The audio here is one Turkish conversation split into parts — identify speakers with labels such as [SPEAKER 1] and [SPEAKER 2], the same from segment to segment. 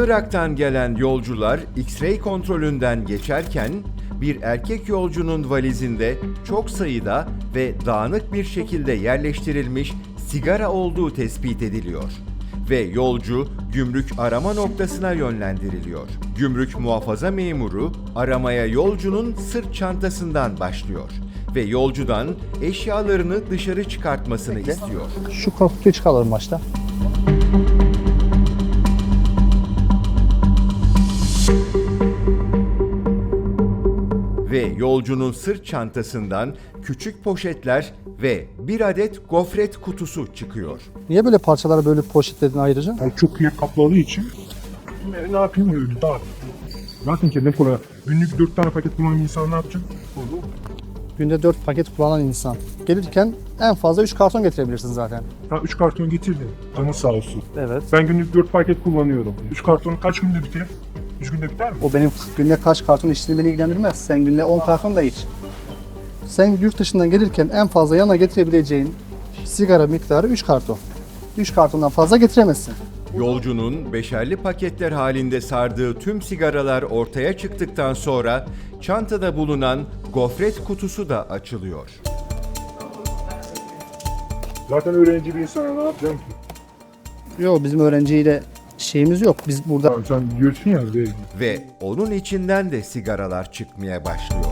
[SPEAKER 1] Irak'tan gelen yolcular X-ray kontrolünden geçerken bir erkek yolcunun valizinde çok sayıda ve dağınık bir şekilde yerleştirilmiş sigara olduğu tespit ediliyor ve yolcu gümrük arama noktasına yönlendiriliyor. Gümrük muhafaza memuru aramaya yolcunun sırt çantasından başlıyor ve yolcudan eşyalarını dışarı çıkartmasını istiyor.
[SPEAKER 2] Şu kutuyu çıkaralım başta.
[SPEAKER 1] Ve yolcunun sırt çantasından küçük poşetler ve bir adet gofret kutusu çıkıyor.
[SPEAKER 2] Niye böyle parçalara böyle poşetledin ayrıca?
[SPEAKER 3] Yani çok iyi kapladığı için ne yapayım öyle daha. Zaten kendim kolay. Günlük 4 tane paket kullanan insan ne yapacak?
[SPEAKER 2] Günde 4 paket kullanan insan. Gelirken en fazla 3 karton getirebilirsin zaten.
[SPEAKER 3] Ben 3 karton getirdim. Canı sağ olsun.
[SPEAKER 2] Evet.
[SPEAKER 3] Ben günlük 4 paket kullanıyorum. 3 karton kaç günde biter? 3 günde biter mi?
[SPEAKER 2] O benim günde kaç karton içtiğini beni ilgilendirmez. Sen günde 10 karton da iç. Sen yurt dışından gelirken en fazla yanına getirebileceğin sigara miktarı 3 karton. 3 kartondan fazla getiremezsin.
[SPEAKER 1] Yolcunun beşerli paketler halinde sardığı tüm sigaralar ortaya çıktıktan sonra çantada bulunan gofret kutusu da açılıyor.
[SPEAKER 3] Zaten öğrenci bir insana ne yapacağım ki?
[SPEAKER 2] Yok, bizim öğrenciyle şeyimiz yok. Biz burada
[SPEAKER 3] Tamam, sen diyorsun ya değil.
[SPEAKER 1] Ve onun içinden de sigaralar çıkmaya başlıyor.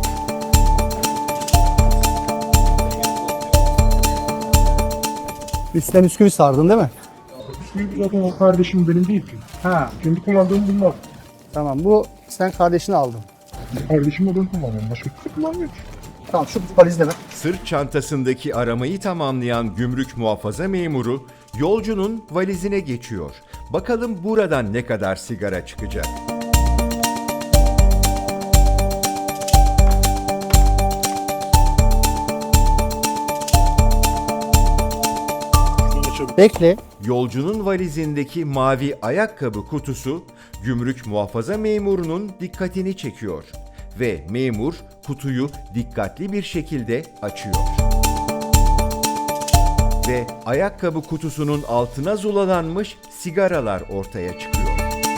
[SPEAKER 2] üstten bisküvi sardın değil mi?
[SPEAKER 3] Bisküvi zaten o kardeşim benim değil ki.
[SPEAKER 2] Ha,
[SPEAKER 3] Kendi kullandığım bunlar.
[SPEAKER 2] tamam. Bu sen kardeşini aldın.
[SPEAKER 3] Kardeşimle ben kullanıyorum. Başka kimse kullanmıyor ki.
[SPEAKER 2] Tamam, şu valizle ver.
[SPEAKER 1] Sırt çantasındaki aramayı tamamlayan gümrük muhafaza memuru yolcunun valizine geçiyor. Bakalım buradan ne kadar sigara çıkacak.
[SPEAKER 2] Bekle.
[SPEAKER 1] Yolcunun valizindeki mavi ayakkabı kutusu gümrük muhafaza memurunun dikkatini çekiyor ve memur kutuyu dikkatli bir şekilde açıyor. Ve ayakkabı kutusunun altına zulalanmış sigaralar ortaya çıkıyor.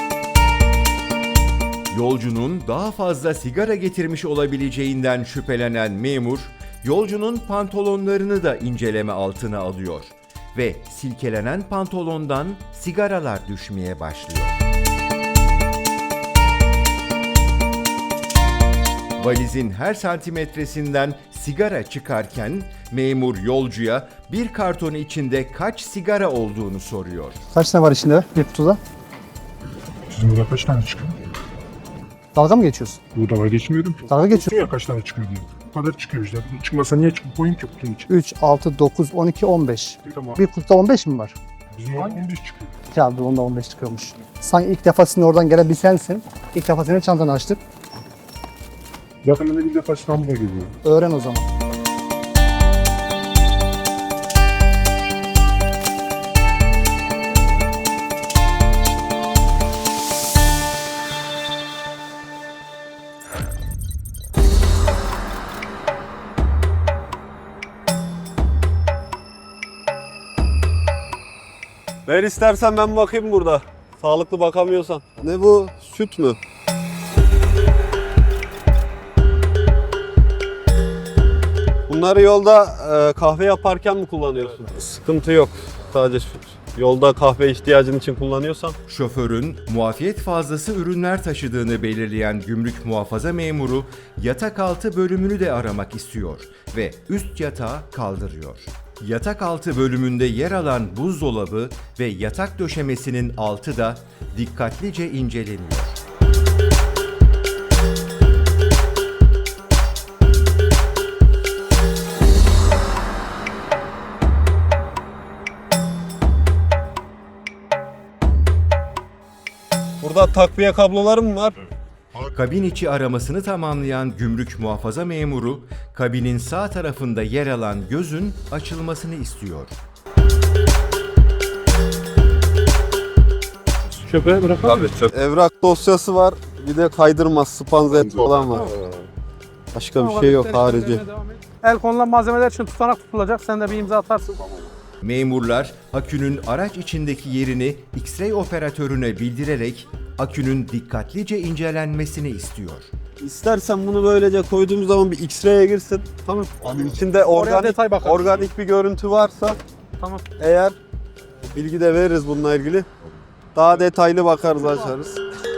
[SPEAKER 1] Yolcunun daha fazla sigara getirmiş olabileceğinden şüphelenen memur, yolcunun pantolonlarını da inceleme altına alıyor ve silkelenen pantolondan sigaralar düşmeye başlıyor. Valizin her santimetresinden sigara çıkarken memur yolcuya bir karton içinde kaç sigara olduğunu soruyor.
[SPEAKER 2] Kaç tane var içinde bir kutuda?
[SPEAKER 3] Sizin burada kaç tane çıkıyor?
[SPEAKER 2] Dalga mı geçiyorsun?
[SPEAKER 3] Burada var geçmiyorum ki.
[SPEAKER 2] Dalga geçiyorsun.
[SPEAKER 3] Diyor ya kaç tane çıkıyor diye. Bu kadar çıkıyor işte. Çıkmasa niye çıkıp koyayım ki kutunun içine?
[SPEAKER 2] 3, 6, 9, 12, 15.
[SPEAKER 3] Tamam.
[SPEAKER 2] Bir kutuda 15 mi var?
[SPEAKER 3] Bizim orada 15 çıkıyor.
[SPEAKER 2] Ya dur, onda 15 çıkıyormuş. Sanki ilk defa sizin oradan gelen bir sensin. İlk defa senin çantanı açtık.
[SPEAKER 3] Zaten ben de bir defa İstanbul'a geliyorum.
[SPEAKER 2] Öğren o zaman.
[SPEAKER 4] Ver istersen ben bakayım burada. Sağlıklı bakamıyorsan. Ne bu? Süt mü? Bunları yolda kahve yaparken mi kullanıyorsun? Sıkıntı yok. Sadece yolda kahve ihtiyacın için kullanıyorsan.
[SPEAKER 1] Şoförün muafiyet fazlası ürünler taşıdığını belirleyen gümrük muhafaza memuru yatak altı bölümünü de aramak istiyor ve üst yatağı kaldırıyor. Yatak altı bölümünde yer alan buzdolabı ve yatak döşemesinin altı da dikkatlice inceleniyor.
[SPEAKER 4] Burada takviye kabloları mı var?
[SPEAKER 1] Kabin içi aramasını tamamlayan gümrük muhafaza memuru, kabinin sağ tarafında yer alan gözün açılmasını istiyor.
[SPEAKER 3] Çöpe bırakalım.
[SPEAKER 4] Evrak dosyası var. Bir de kaydırma, spanzet falan var. Başka bir şey yok harici.
[SPEAKER 5] El konulan malzemeler için tutanak tutulacak. Sen de bir imza atarsın.
[SPEAKER 1] Memurlar akünün araç içindeki yerini X-ray operatörüne bildirerek akünün dikkatlice incelenmesini istiyor.
[SPEAKER 4] İstersen bunu böylece koyduğumuz zaman bir X-ray'e girsin. Tamam. Abi içinde
[SPEAKER 2] detay bakarız.
[SPEAKER 4] organik bir görüntü varsa
[SPEAKER 2] Tamam.
[SPEAKER 4] eğer bilgi de veririz bununla ilgili. Daha detaylı bakarız, açarız.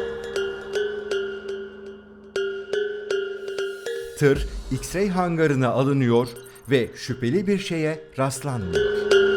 [SPEAKER 1] Tır X-ray hangarına alınıyor ve şüpheli bir şeye rastlanmıyor.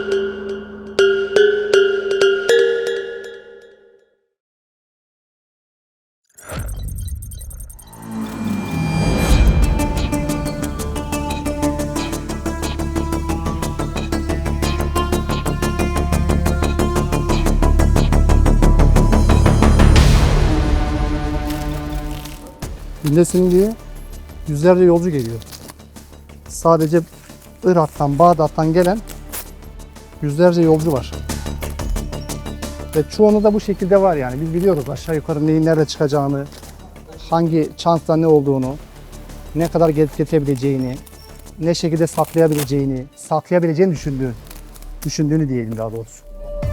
[SPEAKER 2] Dinlesin diye yüzlerce yolcu geliyor. Sadece Irak'tan, Bağdat'tan gelen yüzlerce yolcu var. Ve çoğunu da bu şekilde var yani. Biz biliyoruz aşağı yukarı neyin nerede çıkacağını, hangi çantada ne olduğunu, ne kadar getirebileceğini, ne şekilde saklayabileceğini düşündüğünü diyelim daha doğrusu.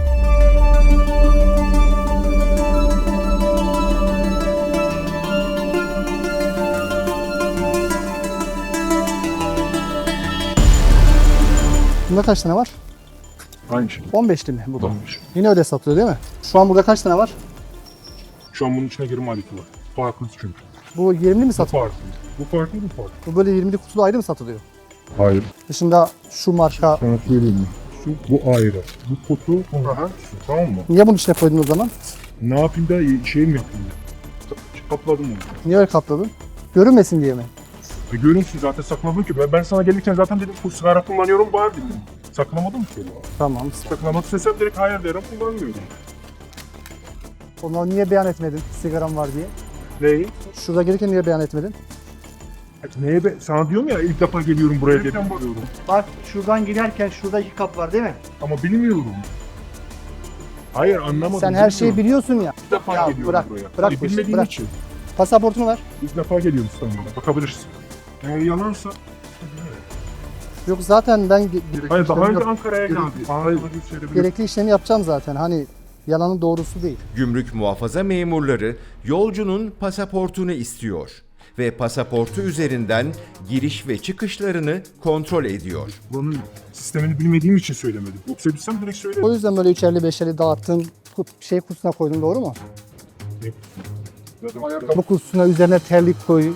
[SPEAKER 2] Bunda kaç tane var?
[SPEAKER 3] Aynı şey.
[SPEAKER 2] 15'li mi bu da?
[SPEAKER 3] Olmuş.
[SPEAKER 2] Yine öyle satılıyor değil mi? Şu an burada kaç tane var?
[SPEAKER 3] Şu an bunun içine girme adeti var. Farklı çünkü.
[SPEAKER 2] Bu 20'li mi
[SPEAKER 3] Bu
[SPEAKER 2] satılıyor?
[SPEAKER 3] farklı. Bu farklı, bu farklı.
[SPEAKER 2] Bu böyle 20'li kutulu ayrı mı satılıyor?
[SPEAKER 3] Hayır.
[SPEAKER 2] Dışında şu marka...
[SPEAKER 3] Sana söyleyeyim mi? Bu ayrı. Bu kutu, şu, tamam mı?
[SPEAKER 2] Niye bunun içine koydun o zaman?
[SPEAKER 3] Ne yapayım da şey mi yapayım? Kapladım onu.
[SPEAKER 2] Niye öyle kapladın? Görünmesin diye mi?
[SPEAKER 3] Görünsün zaten sakladım ki. Ben sana gelirken zaten dedim bu sigara kullanıyorum bari dedim. Saklamadım ki.
[SPEAKER 2] Tamam.
[SPEAKER 3] Saklamak istesem direkt hayır derim kullanmıyorum.
[SPEAKER 2] Onları niye beyan etmedin sigaram var diye?
[SPEAKER 3] Neyi?
[SPEAKER 2] Şurada gelirken niye beyan etmedin?
[SPEAKER 3] Neye be? Sana diyorum ya ilk defa geliyorum buraya diye bakıyorum.
[SPEAKER 2] Bak şuradan giderken şurada 2 kap var değil mi?
[SPEAKER 3] Ama bilmiyorum. Hayır anlamadım.
[SPEAKER 2] Sen her şeyi
[SPEAKER 3] bilmiyorum.
[SPEAKER 2] biliyorsun ya.
[SPEAKER 3] İlk defa
[SPEAKER 2] Ya
[SPEAKER 3] geliyorum
[SPEAKER 2] bırak,
[SPEAKER 3] buraya.
[SPEAKER 2] bırak
[SPEAKER 3] Hayır,
[SPEAKER 2] bu işi,
[SPEAKER 3] bilmediğim
[SPEAKER 2] bırak.
[SPEAKER 3] için.
[SPEAKER 2] Pasaportunu ver.
[SPEAKER 3] İlk defa geliyorum İstanbul'a. Bakabilirsin. Eğer yalansa...
[SPEAKER 2] Yok zaten ben
[SPEAKER 3] Hayır daha önce Ankara'ya geldi.
[SPEAKER 2] gerekli işlemi yapacağım zaten. Hani yalanın doğrusu değil.
[SPEAKER 1] Gümrük muhafaza memurları yolcunun pasaportunu istiyor ve pasaportu üzerinden giriş ve çıkışlarını kontrol ediyor.
[SPEAKER 3] Bunun sistemini bilmediğim için söylemedim. Yoksa bilsem direkt söylerim.
[SPEAKER 2] O yüzden böyle 3'erli 5'erli dağıttın, şey kutusuna koydun, doğru mu?
[SPEAKER 3] Zaten ayakkabı
[SPEAKER 2] Bu kutusuna üzerine terlik koy.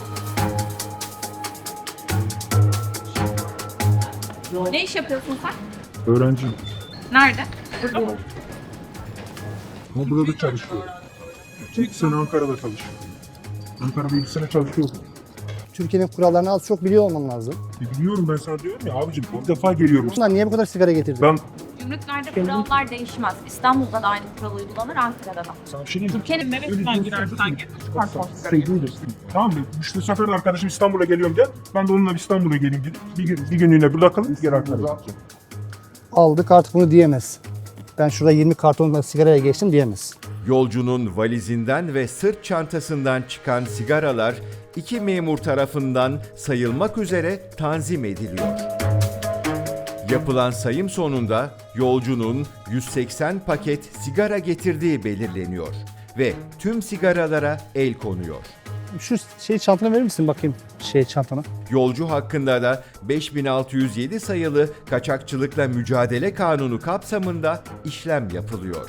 [SPEAKER 5] Ne iş yapıyorsun sen?
[SPEAKER 3] öğrenciyim.
[SPEAKER 5] Nerede? Burada mı?
[SPEAKER 3] Ama burada da çalışıyorum. 2 sene Ankara'da çalışıyorum. Ankara'da 2 sene çalışıyorum.
[SPEAKER 2] Türkiye'nin kurallarını az çok biliyor olman lazım.
[SPEAKER 3] Biliyorum ben sana diyorum ya abicim ilk defa geliyorum.
[SPEAKER 2] Bunlar niye bu kadar sigara getirdin?
[SPEAKER 3] Ben
[SPEAKER 5] Gümrüklerde kurallar değişmez. İstanbul'da da aynı kural uygulanır, Ankara'da da.
[SPEAKER 3] sana bir şey diyeyim mi?
[SPEAKER 5] Türkiye'nin neresinden girersen gir.
[SPEAKER 3] Tamam mı? İşte sefer arkadaşım İstanbul'a geliyorum gel. Ben de onunla İstanbul'a geleyim dedim. Bir günlüğüne burada kalıp geri Ankara'ya gideceğim.
[SPEAKER 2] Aldık artık bunu diyemez. Ben şurada 20 kartonla sigaraya geçtim diyemez.
[SPEAKER 1] Yolcunun valizinden ve sırt çantasından çıkan sigaralar iki memur tarafından sayılmak üzere tanzim ediliyor. Yapılan sayım sonunda yolcunun 180 paket sigara getirdiği belirleniyor ve tüm sigaralara el konuyor.
[SPEAKER 2] Şu çantanı verir misin bakayım çantanı?
[SPEAKER 1] Yolcu hakkında da 5607 sayılı Kaçakçılıkla Mücadele Kanunu kapsamında işlem yapılıyor.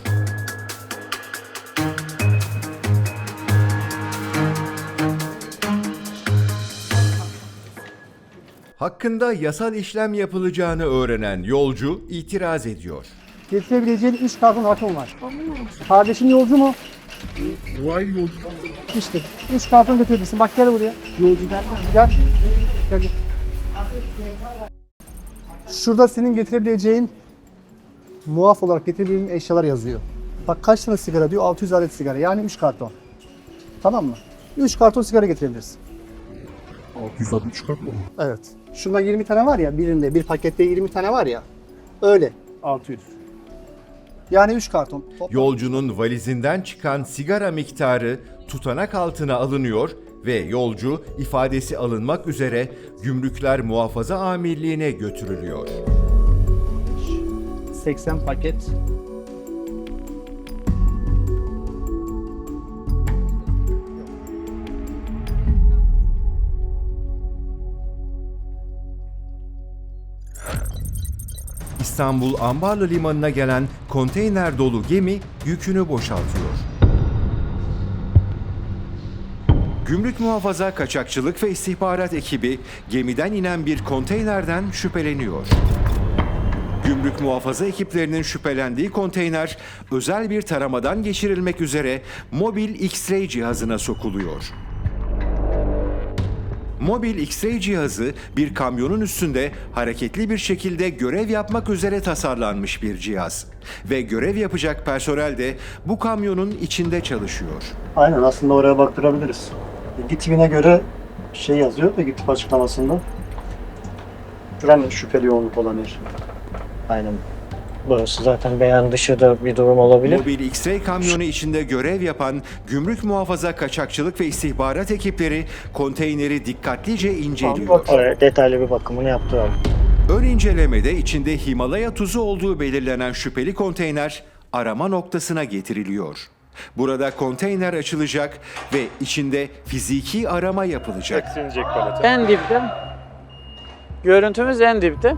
[SPEAKER 1] Hakkında yasal işlem yapılacağını öğrenen yolcu itiraz ediyor.
[SPEAKER 2] Getirebileceğin 3 karton rakım var. Kardeşin yolcu mu?
[SPEAKER 3] Vay yolcu.
[SPEAKER 2] İşte 3 karton götürebilirsin. Bak gel buraya. Yolcu gel. Gel. Gel. Şurada senin getirebileceğin muaf olarak getirebileceğin eşyalar yazıyor. Bak kaç tane sigara diyor? 600 adet sigara. Yani 3 karton. Tamam mı? 3 karton sigara getirebilirsin.
[SPEAKER 3] 660 kat mı?
[SPEAKER 2] Evet. Şunda 20 tane var ya birinde, bir pakette 20 tane var ya. Öyle. 600. Yani 3 karton. Toplam.
[SPEAKER 1] Yolcunun valizinden çıkan sigara miktarı tutanak altına alınıyor ve yolcu ifadesi alınmak üzere Gümrükler Muhafaza Amirliği'ne götürülüyor.
[SPEAKER 2] 80 paket.
[SPEAKER 1] İstanbul Ambarlı Limanı'na gelen konteyner dolu gemi yükünü boşaltıyor. Gümrük Muhafaza Kaçakçılık ve İstihbarat ekibi gemiden inen bir konteynerden şüpheleniyor. Gümrük muhafaza ekiplerinin şüphelendiği konteyner özel bir taramadan geçirilmek üzere mobil X-ray cihazına sokuluyor. Mobil X-ray cihazı bir kamyonun üstünde hareketli bir şekilde görev yapmak üzere tasarlanmış bir cihaz. Ve görev yapacak personel de bu kamyonun içinde çalışıyor.
[SPEAKER 6] Aynen, aslında oraya baktırabiliriz. Bilgi tipine göre şey yazıyor, bilgi tip açıklamasında. Güven şüpheli yoğunluk olan yer.
[SPEAKER 7] Aynen. Burası zaten beyan dışı da bir durum olabilir.
[SPEAKER 1] Mobil X-ray kamyonu içinde görev yapan Gümrük Muhafaza Kaçakçılık ve İstihbarat ekipleri konteyneri dikkatlice inceliyor.
[SPEAKER 7] Oraya detaylı bir bakımını yaptıralım.
[SPEAKER 1] Ön incelemede içinde Himalaya tuzu olduğu belirlenen şüpheli konteyner arama noktasına getiriliyor. Burada konteyner açılacak ve içinde fiziki arama yapılacak.
[SPEAKER 8] En dipte. Görüntümüz en dipte.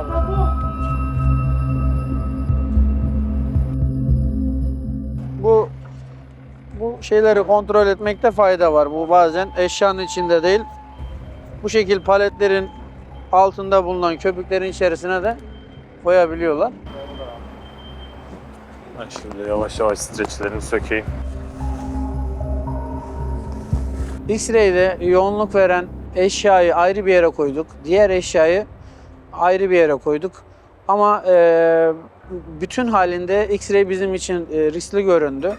[SPEAKER 8] Bu şeyleri kontrol etmekte fayda var. Bu bazen eşyanın içinde değil. Bu şekil paletlerin altında bulunan köpüklerin içerisine de koyabiliyorlar.
[SPEAKER 9] Ben şimdi yavaş yavaş streçlerini sökeyim.
[SPEAKER 8] X-ray'de yoğunluk veren eşyayı ayrı bir yere koyduk. Diğer eşyayı ayrı bir yere koyduk. Ama bütün halinde X-ray bizim için riskli göründü.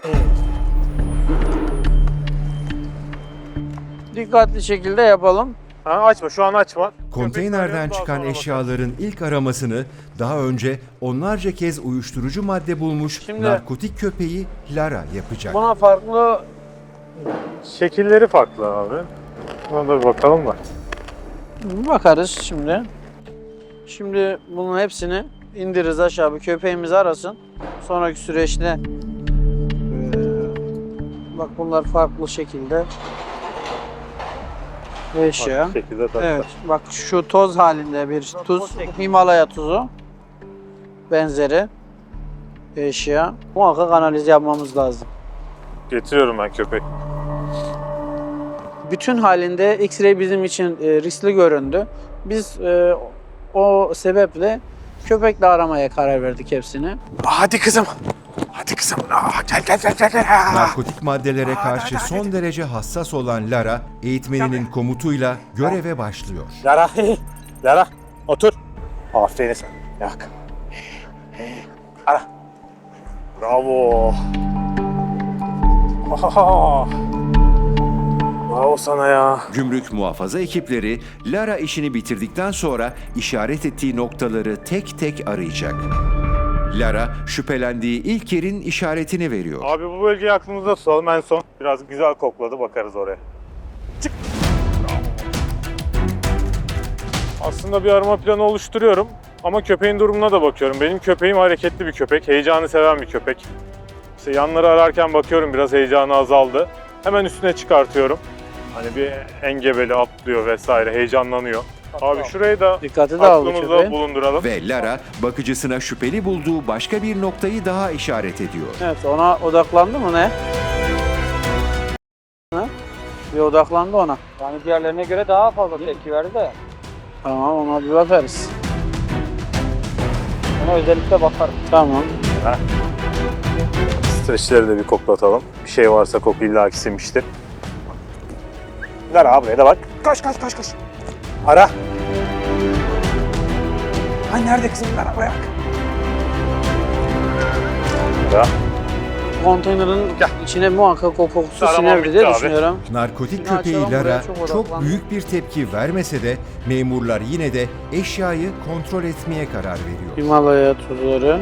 [SPEAKER 8] Dikkatli şekilde yapalım.
[SPEAKER 9] Ha, açma, şu an açma.
[SPEAKER 1] Konteynerden
[SPEAKER 9] Köpek
[SPEAKER 1] çıkan
[SPEAKER 9] balığı daha sonra
[SPEAKER 1] eşyaların ilk aramasını daha önce onlarca kez uyuşturucu madde bulmuş
[SPEAKER 8] Şimdi-
[SPEAKER 1] narkotik köpeği Lara yapacak.
[SPEAKER 8] Buna farklı
[SPEAKER 9] bakarız. Şekilleri farklı abi. Buna da bir bakalım da.
[SPEAKER 8] bakarız şimdi. Şimdi bunun hepsini indiririz aşağı, bir köpeğimiz arasın. Sonraki süreçte bak bunlar farklı şekilde eşya.
[SPEAKER 9] Farklı şekilde tabii.
[SPEAKER 8] Evet, bak şu toz halinde bir tuz, Himalaya tuzu benzeri eşya. Muhakkak analiz yapmamız lazım.
[SPEAKER 9] Getiriyorum ben köpek.
[SPEAKER 8] Bütün halinde X-ray bizim için riskli göründü. Biz o sebeple köpekle aramaya karar verdik hepsini.
[SPEAKER 9] Hadi kızım. Hadi kızım. Gel.
[SPEAKER 1] Narkotik maddelere karşı son derece hassas olan Lara, eğitmeninin komutuyla göreve başlıyor.
[SPEAKER 9] Lara. Lara. Otur. Aferin sen. Yak. Ara. Bravo. Bravo sana ya.
[SPEAKER 1] Gümrük muhafaza ekipleri Lara işini bitirdikten sonra işaret ettiği noktaları tek tek arayacak. Lara şüphelendiği ilk yerin işaretini veriyor.
[SPEAKER 9] Abi bu bölgeyi aklımızda tutalım en son. Biraz güzel kokladı, bakarız oraya. Çık. Aslında bir arama planı oluşturuyorum. Ama köpeğin durumuna da bakıyorum. Benim köpeğim hareketli bir köpek, heyecanı seven bir köpek. İşte yanları ararken bakıyorum biraz heyecanı azaldı. Hemen üstüne çıkartıyorum. Hani bir engebeli atlıyor vesaire, heyecanlanıyor. Abi şurayı da
[SPEAKER 8] Dikkati dağıldı
[SPEAKER 9] aklımızda
[SPEAKER 8] köpeğin.
[SPEAKER 9] bulunduralım.
[SPEAKER 1] Ve Lara bakıcısına şüpheli bulduğu başka bir noktayı daha işaret ediyor.
[SPEAKER 8] Evet, ona odaklandı mı ne? Ha? Bir odaklandı ona.
[SPEAKER 7] Yani diğerlerine göre daha fazla tepki verdi de.
[SPEAKER 8] Tamam, ona bir bakarız.
[SPEAKER 7] Ona özellikle bakarım.
[SPEAKER 8] Tamam.
[SPEAKER 9] Streçleri de bir koklatalım. Bir şey varsa koku illaki sinmiştir. Lara buraya da bak. Koş. Ara. Ay nerede kızım? Lara buraya bak. Lara.
[SPEAKER 8] Konteynerin içine muhakkak o kokusu
[SPEAKER 9] Arama
[SPEAKER 8] sinerdi
[SPEAKER 9] bitti
[SPEAKER 8] diye
[SPEAKER 9] abi.
[SPEAKER 8] düşünüyorum.
[SPEAKER 1] Narkotik
[SPEAKER 8] Şimdi
[SPEAKER 1] köpeği
[SPEAKER 8] açalım,
[SPEAKER 1] Lara
[SPEAKER 8] buraya çok
[SPEAKER 1] çok
[SPEAKER 8] odaklandı.
[SPEAKER 1] büyük bir tepki vermese de memurlar yine de eşyayı kontrol etmeye karar veriyor.
[SPEAKER 8] Himalaya tuzları.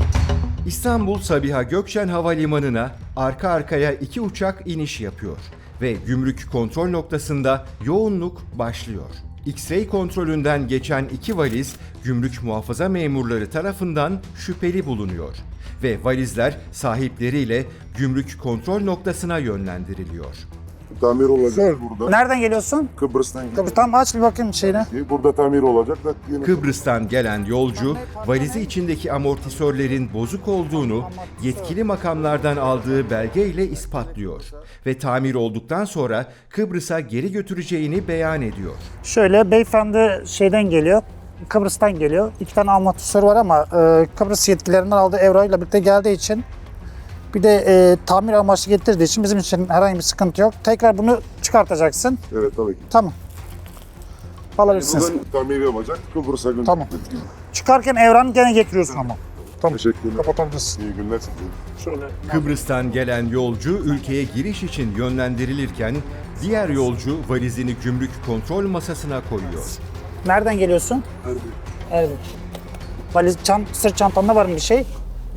[SPEAKER 1] İstanbul Sabiha Gökçen Havalimanı'na arka arkaya iki uçak iniş yapıyor. ve gümrük kontrol noktasında yoğunluk başlıyor. X-ray kontrolünden geçen 2 valiz gümrük muhafaza memurları tarafından şüpheli bulunuyor ve valizler sahipleriyle gümrük kontrol noktasına yönlendiriliyor.
[SPEAKER 10] Tamir olacak burada.
[SPEAKER 7] Nereden geliyorsun?
[SPEAKER 10] Kıbrıs'tan geliyor.
[SPEAKER 7] Tam aç bir bakayım şeyine.
[SPEAKER 10] Burada tamir olacak da yine
[SPEAKER 1] Kıbrıs'tan gelen yolcu, valizi içindeki amortisörlerin bozuk olduğunu yetkili makamlardan aldığı belgeyle ispatlıyor ve tamir olduktan sonra Kıbrıs'a geri götüreceğini beyan ediyor.
[SPEAKER 7] Şöyle beyefendi şeyden geliyor. Kıbrıs'tan geliyor. 2 tane amortisör var ama Kıbrıs yetkililerinden aldığı euroyla birlikte geldiği için bir de tamir amaçlı getirdiği için bizim için herhangi bir sıkıntı yok. Tekrar bunu çıkartacaksın.
[SPEAKER 10] evet tabii ki.
[SPEAKER 7] Tamam. Alabilirsiniz.
[SPEAKER 10] Bugün tamir yapacak. Kıbrıs'a gönderdik.
[SPEAKER 7] Tamam. Çıkarken evranı gene getiriyorsun ama. Tamam.
[SPEAKER 10] Teşekkürler.
[SPEAKER 7] Kapatabilirsin.
[SPEAKER 10] İyi günler.
[SPEAKER 7] Şöyle.
[SPEAKER 1] Kıbrıs'tan gelen yolcu ülkeye giriş için yönlendirilirken diğer yolcu valizini gümrük kontrol masasına koyuyor.
[SPEAKER 7] Nereden geliyorsun? Erbil. Valiz, sırt çantanda var mı bir şey?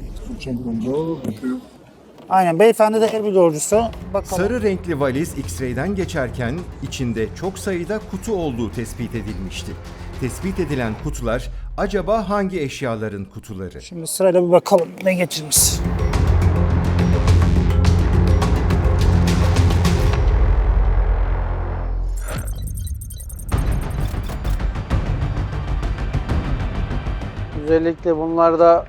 [SPEAKER 7] Aynen. Beyefendi de Erbil yolcusu. Bakalım.
[SPEAKER 1] Sarı renkli valiz X-ray'den geçerken içinde çok sayıda kutu olduğu tespit edilmişti. Tespit edilen kutular acaba hangi eşyaların kutuları?
[SPEAKER 7] Şimdi sırayla bir bakalım ne getirmiş.
[SPEAKER 8] Özellikle bunlarda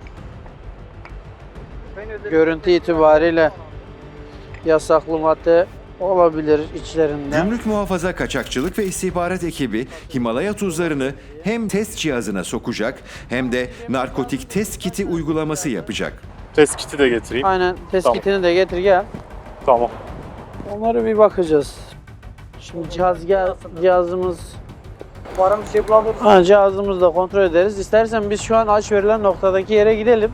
[SPEAKER 8] görüntü itibariyle yasaklı madde olabilir içlerinde.
[SPEAKER 1] Gümrük Muhafaza Kaçakçılık ve İstihbarat ekibi Himalaya tuzlarını hem test cihazına sokacak hem de narkotik test kiti uygulaması yapacak.
[SPEAKER 9] Test kiti de getireyim.
[SPEAKER 8] Aynen test
[SPEAKER 9] Tamam.
[SPEAKER 8] kitini de getir gel.
[SPEAKER 9] Tamam.
[SPEAKER 8] Onları bir bakacağız. Şimdi cihazımız
[SPEAKER 7] Var mı şey bulabiliriz?
[SPEAKER 8] cihazımızı da kontrol ederiz. İstersen biz şu an aç verilen noktadaki yere gidelim.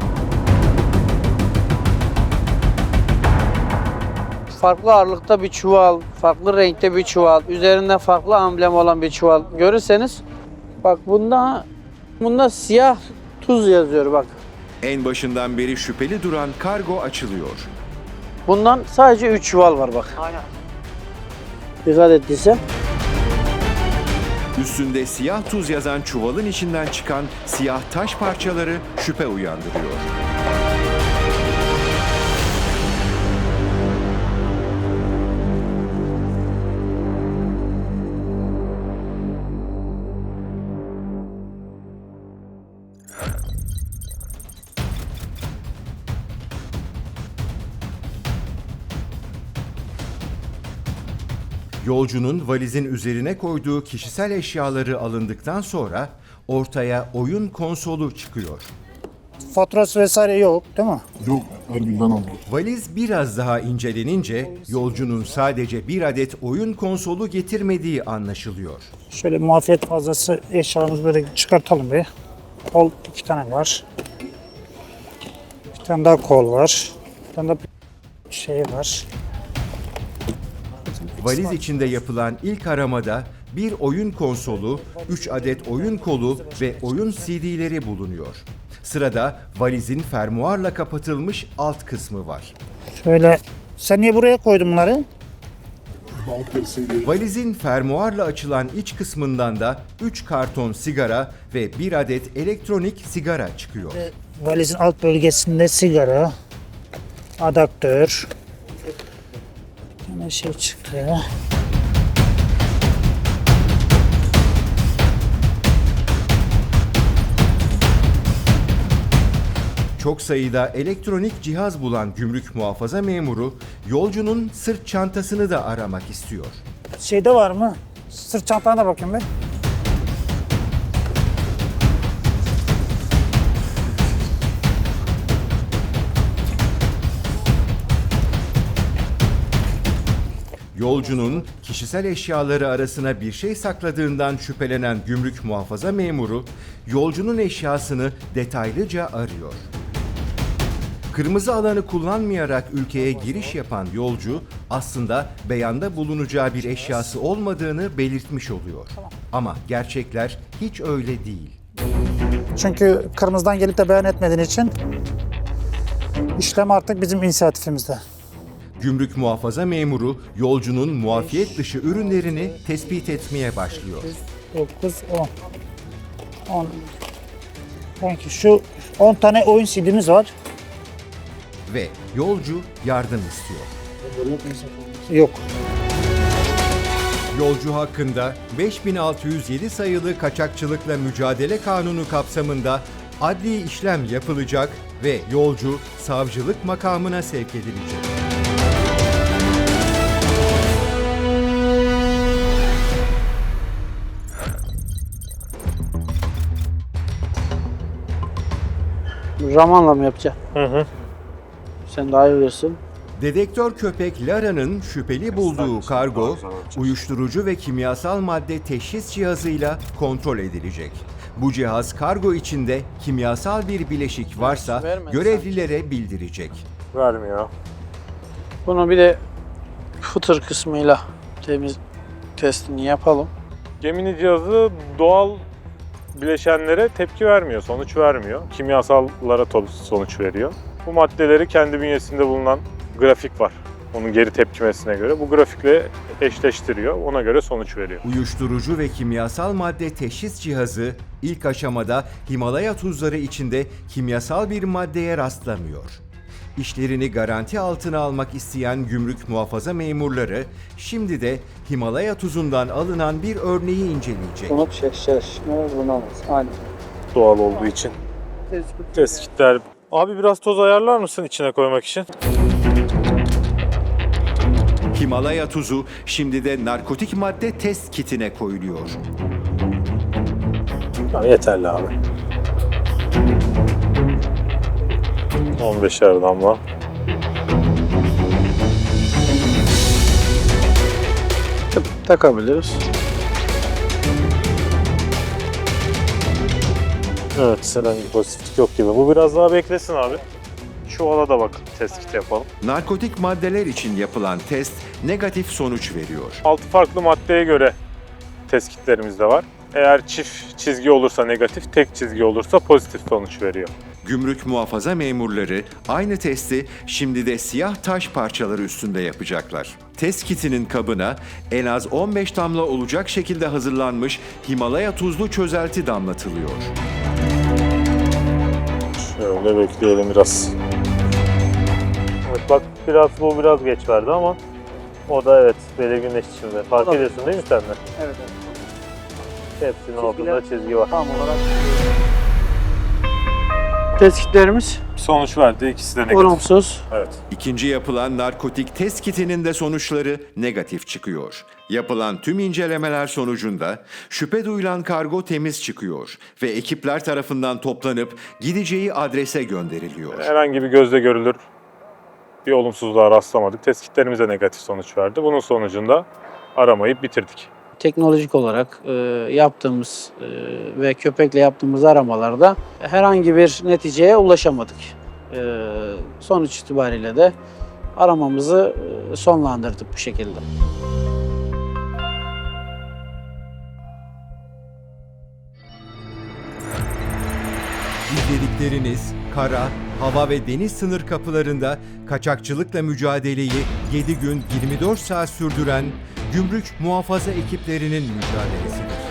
[SPEAKER 8] Farklı ağırlıkta bir çuval, farklı renkte bir çuval, üzerinde farklı amblem olan bir çuval görürseniz bak bunda siyah tuz yazıyor bak.
[SPEAKER 1] En başından beri şüpheli duran kargo açılıyor.
[SPEAKER 8] Bundan sadece 3 çuval var bak.
[SPEAKER 7] Aynen.
[SPEAKER 8] Dikkat ettiyse.
[SPEAKER 1] Üstünde siyah tuz yazan çuvalın içinden çıkan siyah taş parçaları şüphe uyandırıyor. Yolcunun valizin üzerine koyduğu kişisel eşyaları alındıktan sonra ortaya oyun konsolu çıkıyor.
[SPEAKER 7] Faturası vesaire yok değil mi?
[SPEAKER 10] Yok. Erbil'den aldım.
[SPEAKER 1] Valiz biraz daha incelenince yolcunun sadece bir adet oyun konsolu getirmediği anlaşılıyor.
[SPEAKER 7] Şöyle muafiyet fazlası eşyalarımızı böyle çıkartalım bir. Kol 2 tane var. Bir tane daha kol var. Bir tane daha şey var.
[SPEAKER 1] Valiz içinde yapılan ilk aramada bir oyun konsolu, 3 adet oyun kolu ve oyun CD'leri bulunuyor. Sırada valizin fermuarla kapatılmış alt kısmı var.
[SPEAKER 7] Şöyle sen niye buraya koydun bunları?
[SPEAKER 1] Valizin fermuarla açılan iç kısmından da 3 karton sigara ve 1 adet elektronik sigara çıkıyor.
[SPEAKER 7] Valizin alt bölgesinde sigara, adaptör. Yine şey çıktı.
[SPEAKER 1] Çok sayıda elektronik cihaz bulan gümrük muhafaza memuru yolcunun sırt çantasını da aramak istiyor.
[SPEAKER 7] Şeyde var mı? Sırt çantana da bakayım ben.
[SPEAKER 1] Yolcunun kişisel eşyaları arasına bir şey sakladığından şüphelenen gümrük muhafaza memuru yolcunun eşyasını detaylıca arıyor. Kırmızı alanı kullanmayarak ülkeye giriş yapan yolcu aslında beyanda bulunacağı bir eşyası olmadığını belirtmiş oluyor. Ama gerçekler hiç öyle değil.
[SPEAKER 7] Çünkü kırmızıdan gelip de beyan etmediğin için işlem artık bizim inisiyatifimizde.
[SPEAKER 1] Gümrük muhafaza memuru yolcunun muafiyet dışı ürünlerini tespit etmeye başlıyor.
[SPEAKER 7] 9, 10. 10. Sanki şu 10 tane oyun CD'miz var.
[SPEAKER 1] Ve yolcu yardım istiyor.
[SPEAKER 7] Yok.
[SPEAKER 1] Yolcu hakkında 5607 sayılı Kaçakçılıkla Mücadele Kanunu kapsamında adli işlem yapılacak ve yolcu savcılık makamına sevk edilecek.
[SPEAKER 8] Ramanla mı yapacaksın?
[SPEAKER 9] Hı.
[SPEAKER 8] Sen daha iyi bilirsin.
[SPEAKER 1] Dedektör köpek Lara'nın şüpheli bulduğu kargo, uyuşturucu ve kimyasal madde teşhis cihazıyla kontrol edilecek. Bu cihaz kargo içinde kimyasal bir bileşik varsa görevlilere bildirecek.
[SPEAKER 9] Vermiyor.
[SPEAKER 8] Bunu bir de footer kısmıyla testini yapalım.
[SPEAKER 9] Gemini cihazı doğal bileşenlere tepki vermiyor, sonuç vermiyor. Kimyasallara sonuç veriyor. Bu maddeleri kendi bünyesinde bulunan grafik var. Onun geri tepkimesine göre. Bu grafikle eşleştiriyor, ona göre sonuç veriyor.
[SPEAKER 1] Uyuşturucu ve kimyasal madde teşhis cihazı ilk aşamada Himalaya tuzları içinde kimyasal bir maddeye rastlamıyor. İşlerini garanti altına almak isteyen gümrük muhafaza memurları şimdi de Himalaya tuzundan alınan bir örneği inceleyecek.
[SPEAKER 8] Bunu şaşırtma bulunamaz. Aynen.
[SPEAKER 9] Doğal olduğu için. Tespitler. Abi biraz toz ayarlar mısın içine koymak için?
[SPEAKER 1] Himalaya tuzu şimdi de narkotik madde test kitine koyuluyor.
[SPEAKER 9] Tamam, yeterli abi. 15'er damla.
[SPEAKER 8] Takabiliriz.
[SPEAKER 9] Evet, herhangi bir pozitiflik yok gibi. Bu biraz daha beklesin abi. Şu ala da bak, tespit yapalım.
[SPEAKER 1] Narkotik maddeler için yapılan test negatif sonuç veriyor.
[SPEAKER 9] 6 farklı maddeye göre tespitlerimiz de var. Eğer çift çizgi olursa negatif, tek çizgi olursa pozitif sonuç veriyor.
[SPEAKER 1] Gümrük muhafaza memurları aynı testi şimdi de siyah taş parçaları üstünde yapacaklar. Test kitinin kabına en az 15 damla olacak şekilde hazırlanmış Himalaya tuzlu çözelti damlatılıyor.
[SPEAKER 9] Şöyle bekleyelim biraz. Evet bak bu biraz geç verdi ama o da evet belirginleşti şimdi. Fark ediyorsun değil mi sen de?
[SPEAKER 8] Evet.
[SPEAKER 9] Hepsinin altında çizgi var.
[SPEAKER 8] Tam olarak. Tespitlerimiz
[SPEAKER 9] Sonuç verdi, ikisi de negatif.
[SPEAKER 8] olumsuz.
[SPEAKER 9] Evet.
[SPEAKER 1] İkinci yapılan narkotik test kitinin de sonuçları negatif çıkıyor. Yapılan tüm incelemeler sonucunda şüphe duyulan kargo temiz çıkıyor ve ekipler tarafından toplanıp gideceği adrese gönderiliyor.
[SPEAKER 9] Herhangi bir gözle görülür bir olumsuzluğa rastlamadık. Tespitlerimiz de negatif sonuç verdi. Bunun sonucunda aramayı bitirdik.
[SPEAKER 8] Teknolojik olarak yaptığımız ve köpekle yaptığımız aramalarda herhangi bir neticeye ulaşamadık. Sonuç itibariyle de aramamızı sonlandırdık bu şekilde.
[SPEAKER 1] İzledikleriniz kara, hava ve deniz sınır kapılarında kaçakçılıkla mücadeleyi 7 gün 24 saat sürdüren gümrük muhafaza ekiplerinin mücadelesidir.